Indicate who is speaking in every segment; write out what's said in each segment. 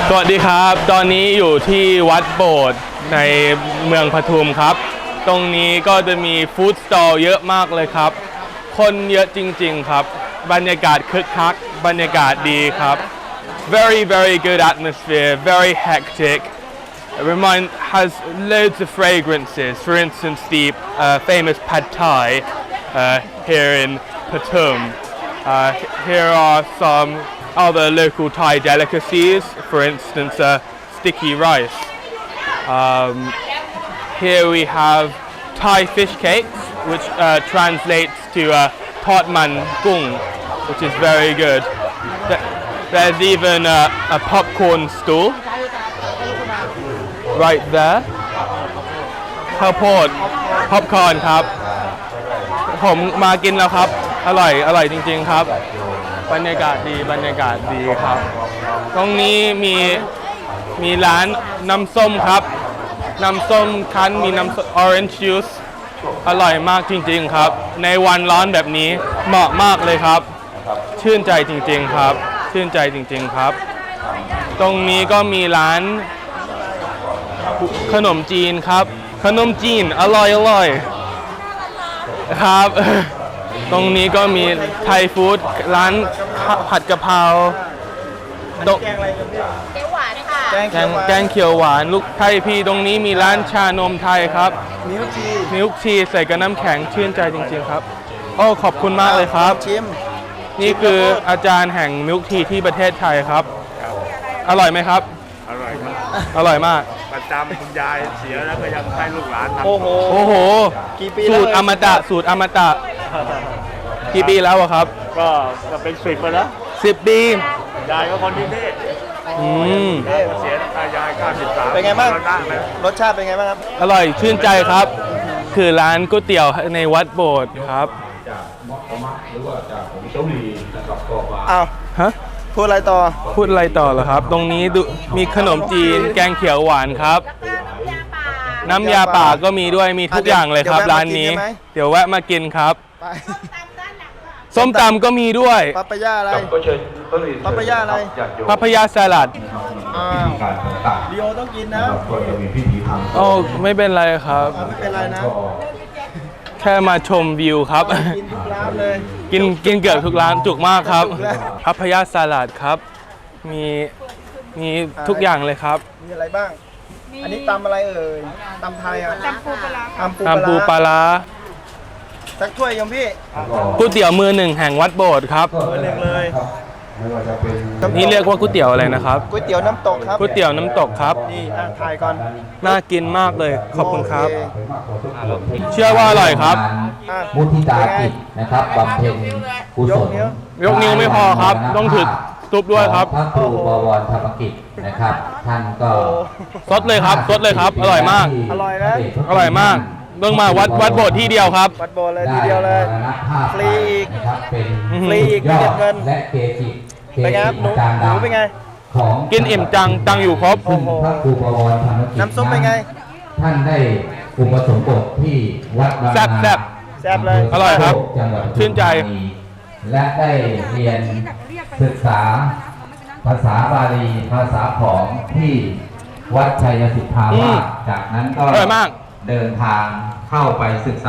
Speaker 1: สวัสดีครับตอนนี้อยู่ที่วัดโบสถ์ในเมืองปทุมครับตรงนี้ก็จะมีฟู้ดสตอลเยอะมากเลยครับคนเยอะจริงๆครับบรรยากาศคึกคักบรรยากาศดีครับ very good atmosphere very hectic has loads of fragrances for instance the famous pad thai here in Patum here are some other local Thai delicacies, for instance, sticky rice. Here we have Thai fish cakes, which translates to Tod Man Gung, which is very good. There's even a popcorn stall right there. ข้าวโพด popcorn ครับผมมากินแล้วครับอร่อยจริงๆครับบรรยากาศดีครับตรงนี้มีร้านน้ำส้มครับน้ำส้มคั้นมีน้ำ orange juice อร่อยมากจริงๆครับในวันร้อนแบบนี้เหมาะมากเลยครับชื่นใจจริงๆครับชื่นใจจริงๆครับตรงนี้ก็มีร้านขนมจีนครับขนมจีนอร่อยครับตรงนี้ก็มีไทยฟู้ดร้านผัดกะเพราแกงอะไรกันพี่แกงหวานค่ะแกงเขียวหวานลูกไทยพี่ตรงนี้มีร้านชานมไทยครับมิลค์ทีใส่กับน้ำแข็งชื่นใจจริงๆครับโอ้ขอบคุณมากเลยครับนี่คืออาจารย์แห่งมิลค์ทีที่ประเทศไทยครับอร่อยไหมครับ
Speaker 2: อร่อยมาก
Speaker 1: อร่อยมาก
Speaker 2: ประจำคุณยายเสียแล้วก็ยังให้ลูกหลานทำ
Speaker 1: โอ้โหสูตรอมตะกี่ปีแล้วครับ
Speaker 2: ก็เป็น10ปีแล้ว
Speaker 1: 10 ปี
Speaker 2: ยายก็คนที่นี่เสียตายาย93
Speaker 3: เป็นไงบ้างรสชาติเป็นไงบ้างครับ
Speaker 1: อร่อยชื่นใจครับคือร้านก๋วยเตี๋ยวในวัดโบสถ์ครับ
Speaker 3: อ้าว
Speaker 1: ฮะ
Speaker 3: พูดอะไรต่อ
Speaker 1: เหรอครับตรงนี้มีขนมจีนแกงเขียวหวานครับน้ำยาป่าก็มีด้วยมีทุกอย่างเลยครับร้านนี้เดี๋ยวแวะมากินครับส้มตำก็มีด้วย
Speaker 3: ปาปายาอะไรปาป
Speaker 1: ายาสลัด
Speaker 3: ดิโอต้องกินนะ
Speaker 1: โอ้ไม่เป็นไรครับ
Speaker 3: ไม่เป็นไรนะ
Speaker 1: แค่มาชมวิวครับ
Speaker 3: กินทุกร้านเลย
Speaker 1: กินเกือบทุกร้านจุกมากครับปาปายาสลัดครับมีทุกอย่างเลยครับ
Speaker 3: มีอะไรบ้างอันนี้ตำอะไรเอ่ยตำไทยอ่ะ
Speaker 4: ตำปูปลา
Speaker 1: ตำปูปลา
Speaker 3: สักถ้วยยมพี่
Speaker 1: ก๋วยเตี๋ยวมือหนึ่งแห่งวัดโบสถ์ครับ
Speaker 3: มือหนึ่งเลย
Speaker 1: นี่เรียกว่าก๋วยเตี๋ยวอะไรนะครับ
Speaker 3: ก๋วยเตี๋ยวน้ำตกครับ
Speaker 1: ก๋วยเตี๋ยวน้ำตกครับ
Speaker 3: นี่ถ่ายก่อน
Speaker 1: น่ากินมากเลยขอบคุณครับเชื่อว่าอร่อยครับ
Speaker 5: มุทิตาจิตนะครับบำเพ็ญกุศล
Speaker 1: ยกนิ้วไม่พอครับต้องถือซุปด้วยครับ
Speaker 5: พระครูบวรธรรมกิจนะครับท่านก็
Speaker 1: ซดเลยครับอร่อยมาก
Speaker 3: อร่อยนะ
Speaker 1: อร่อยมากเบิ่งมาวัดโบสถ์ที่เดียวครับ
Speaker 3: วัดโบสถ์เลยทีเดียวเลยฟรีอีกไม่เก็บเงิน
Speaker 5: และเกจิ
Speaker 3: เป็นไงครับหนูเป็นไง
Speaker 1: กินอิ่มจังตังอยู่ครบ
Speaker 5: พระครูบวรธรรมกิจ
Speaker 3: น้ำซุปเป็นไง
Speaker 5: ท่านได้อุปสมบทที่วัดบางนา
Speaker 1: แซ่บ
Speaker 3: เลย
Speaker 1: อร่อยครับชื่นใจ
Speaker 5: และได้เรียนศึกษาภาษาบาลีภาษาของที่วัดชัยสิทธาวาสจากนั้นก็เดินทางเข้าไปศึกษา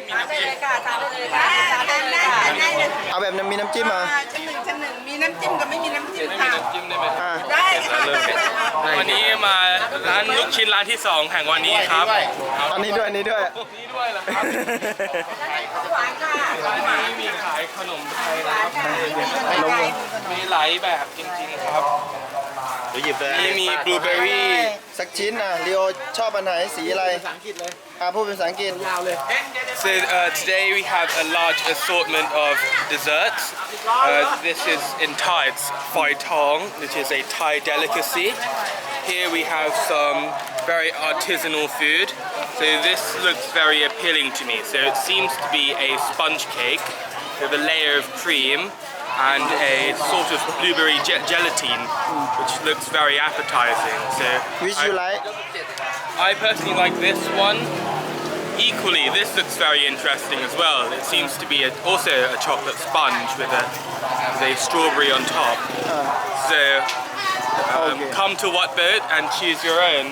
Speaker 3: เอาแบบมีน้ำจิ้มมา
Speaker 4: ชั้นหนึ่งมีน้ำจิ้มกับไม่มีน้ำจิ้มค่ะได้ค่ะ
Speaker 1: วันนี้มาร้านลูกชิ้นร้านที่2แห่งวันนี้ครับ
Speaker 3: อันนี้ด้วย
Speaker 1: เหรอครับ
Speaker 4: หวานค่ะ
Speaker 1: ร้านนี้มีขายขนมไทยมีหลายแบบจริงๆครับมีบลูเบอร์รี่
Speaker 3: สักชิ้นนะลีโอชอบอันไหนสีอะไรภาษาอังกฤษเลยพูดเป็นภาษาอังกฤษยาวเลย
Speaker 1: So today we have a large assortment of desserts. This is in Thai, it's Phai Thong, which is a Thai delicacy. Here we have some very artisanal food. So this looks very appealing to me. So it seems to be a sponge cake with a layer of cream and a sort of blueberry gelatine, which looks very appetizing. So
Speaker 3: which you like?
Speaker 1: I personally like this one. Equally, this looks very interesting as well. It seems to be also a chocolate sponge with a strawberry on top. So Come to Watbird and choose your own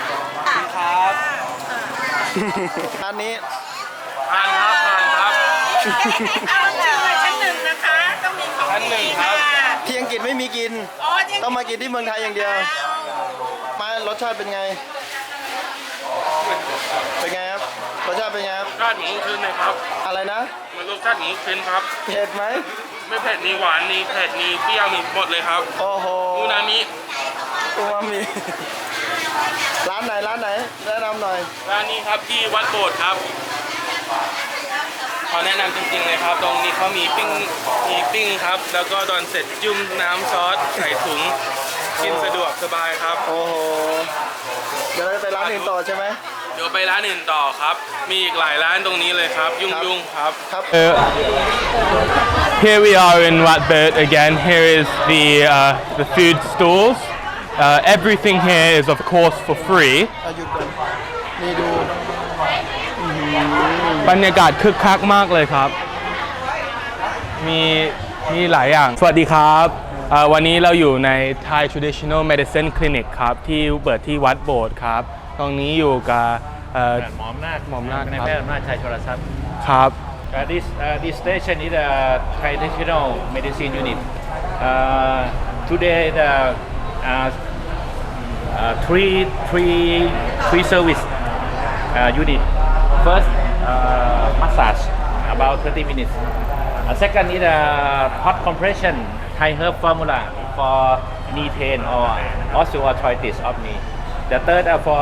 Speaker 3: ร้านนี้
Speaker 1: ทานครับทานครับ
Speaker 4: เอาชั้นหนึ่งนะคะ ต้องมีของ
Speaker 1: ชั้นหนึ่ง
Speaker 4: ดี
Speaker 1: ครั
Speaker 4: ค่ะ
Speaker 1: บ
Speaker 3: ที่อังกฤษไม่มีกิน
Speaker 4: อ๋อจริง
Speaker 3: ต้องมากินที่เมืองไทยอย่างเดียว มารสชาติเป็นไง เป็นไงครับ รสชาติเป็นไงครับ
Speaker 1: รสชาติหมูคืนเลยครับ
Speaker 3: อะไรนะ
Speaker 1: มันรสชาติหมูคืนครับ
Speaker 3: เผ็ดไหม
Speaker 1: ไม่เผ็ดมีหวานมีเผ็ดมีเปรี้ยวมีหมดเลยครับ
Speaker 3: โอ้โห
Speaker 1: อูนามิ
Speaker 3: อูมามิ ร้านไหนแนะนำหน่อย
Speaker 1: ร้านนี้ครับที่วัดโบสถ์ครับขอแนะนำจริงๆเลยครับ ตรงนี้เขามีปิ้งครับ แล้วก็ตอนเสร็จจุ่มน้ำซอสใส่ถุงกินสะดวกสบายครับ
Speaker 3: โอ้โห เดี๋ยวเราจะไปร้านอื่นต่อใช่ไหม
Speaker 1: เดี๋ยวไปร้านอื่นต่อครับ มีอีกหลายร้านตรงนี้เลยครับ ยุ่งๆครับ
Speaker 3: ครับ
Speaker 1: Here we are in Watbird again. Here is the food stalls. Everything here is of course for free.
Speaker 3: เอาหยุดก่อนนี่ดู
Speaker 1: บรรยากาศคึกคักมากเลยครับ มีหลายอย่าง สวัสดีครับวันนี้เราอยู่ใน Thai Traditional Medicine Clinic ครับ ที่เปิดที่วัดโบสถ์ครับ ตรงนี้อยู่กับ
Speaker 2: หมอมนาค
Speaker 1: หมอมนาค
Speaker 2: ใน
Speaker 1: ครับ
Speaker 2: แพทย์อำนาจชัยชลทรัพย์
Speaker 1: ครับ
Speaker 2: This station is a traditional medicine unit. Today the three service unit. First massage about 30 minutes. Second is hot compression Thai herb formula for knee pain or osteoarthritis of knee. The third for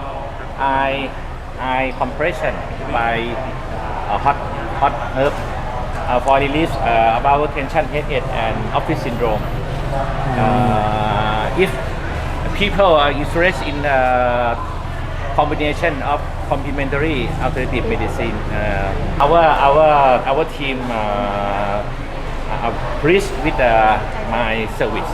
Speaker 2: eye compression by hot herb for release about tension headache and office syndrome. If people are interested in combination of complementary alternative medicine, our team are pleased with my service.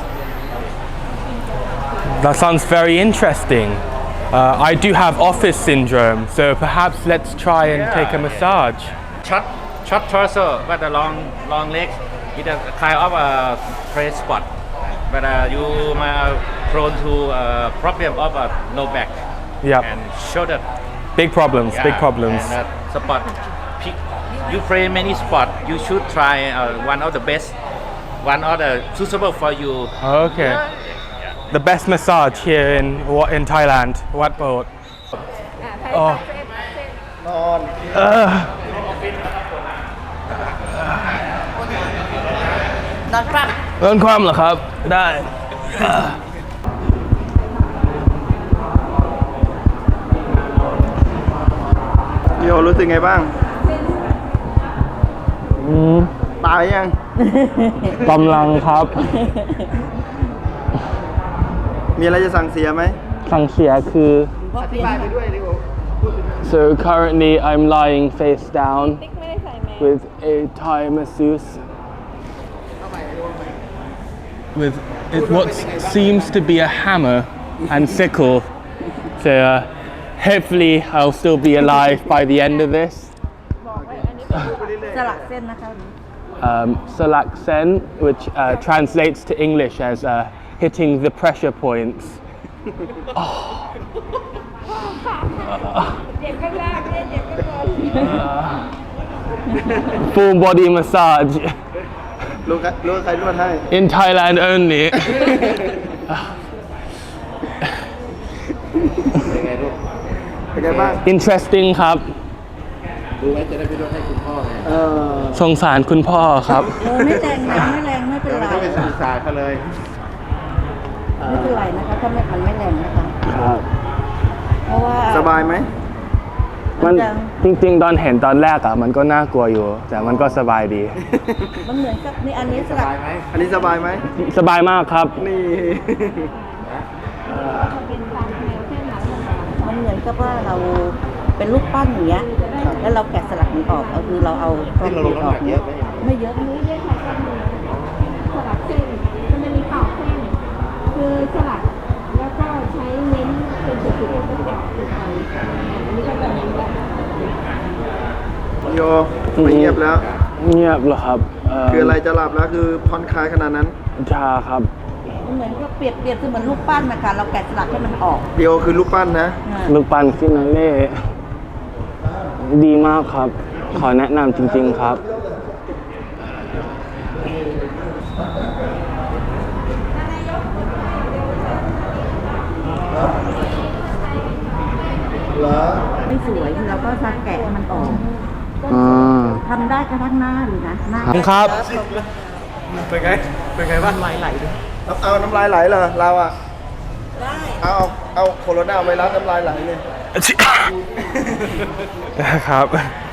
Speaker 1: That sounds very interesting. I do have office syndrome, so perhaps let's try and take a massage.
Speaker 2: Short torso but a long legs with a kind of a press spot. But you are prone to problem of low back
Speaker 1: Yep.
Speaker 2: and shoulder.
Speaker 1: Big problems, big
Speaker 2: Yeah,
Speaker 1: problems.
Speaker 2: And spot. You play many sport. You should try one of the best, one of the suitable for you.
Speaker 1: Okay. The best massage here in Thailand, Wat Bot. Oh.
Speaker 3: นอน
Speaker 4: นอนครับ
Speaker 1: เริ่มความเหรอครับ ได้
Speaker 3: โยรู้สึกไงบ้าง ตายยัง
Speaker 1: กำลังครับ
Speaker 3: มีอะไรจะสั่งเสียไหม
Speaker 1: สั่งเสียคือ
Speaker 3: อธิบายไปด้วยดิโอ
Speaker 1: So currently I'm lying face down with a Thai masseuse with what seems to be a hammer and sickle. So hopefully I'll still be alive by the end of this.
Speaker 4: สลักเส้นนะคะ
Speaker 1: Salak Sen, which translates to English as hitting the pressure points.
Speaker 4: เจ็บข้างล่างเนี่ยเจ็บข้างบน
Speaker 1: Full body massage
Speaker 3: รู้ใครนวดให้
Speaker 1: in Thailand only.
Speaker 3: เป็นไงบ้าง
Speaker 1: Interesting ครับ สงสารคุณพ่อครับ
Speaker 4: ไม่แรงนะไม่แรงไม่เป็นไร
Speaker 2: ไม่สื่อสารเขาเลย
Speaker 4: ไม่เป็นไรนะคะถ้ามันไม่แรงนะคะเพราะว่า
Speaker 3: สบายไหม
Speaker 1: มันจริงๆตอนเห็นตอนแรกมันก็น่ากลัวอยู่ แต่มันก็สบายดี
Speaker 4: มันเหมือนกับนี่อันนี้สลัก
Speaker 3: อันนี้สบายไหม
Speaker 1: สบายมากครับ
Speaker 3: นี่
Speaker 4: มันเหมือนกับว่าเราเป็นรูปปั้นอย่างเงี้ยแล้วเราแกะสลักมันออกก็คือเราเอาความเปียกออกเนี้ยไม่เยอะไม่เยอะค่ะ
Speaker 6: สลักเส้นมันจะมีปอกเส้นคือสลักแล้วก็ใช้เน้นเป็นจุดๆแล้วก็ปอกลงไปอันนี้ก็จะเน้นแบบ
Speaker 3: โยไม่เงียบแล้ว
Speaker 1: เงียบเหรอครับ
Speaker 3: คืออะไรจะหลับแล้วคือผ่อนคลายขนาดนั้น
Speaker 1: ชาครับ
Speaker 6: ม
Speaker 4: เหมือนก็เปรียบเสมือนรูปปั้นนะคะเราแกะสลักให้มันออก
Speaker 3: ลีโอคือรูปปั้นนะ
Speaker 1: ลูกปั้นฟินาเล่ดีมากครับ ขอแนะนำจริงๆครับ
Speaker 4: ไม่สวยเราก็จะแกะให้มันออก ทำได้กระทั่งหน้าเลยนะหน้า
Speaker 1: ครับ
Speaker 3: เป็นไงบ้างน้ำลายไหลเอาน้ำลายไหลเหรอเราอ่ะได้เอาโคโรนาไวรัสน้ำลายไหลเลย
Speaker 1: ครับ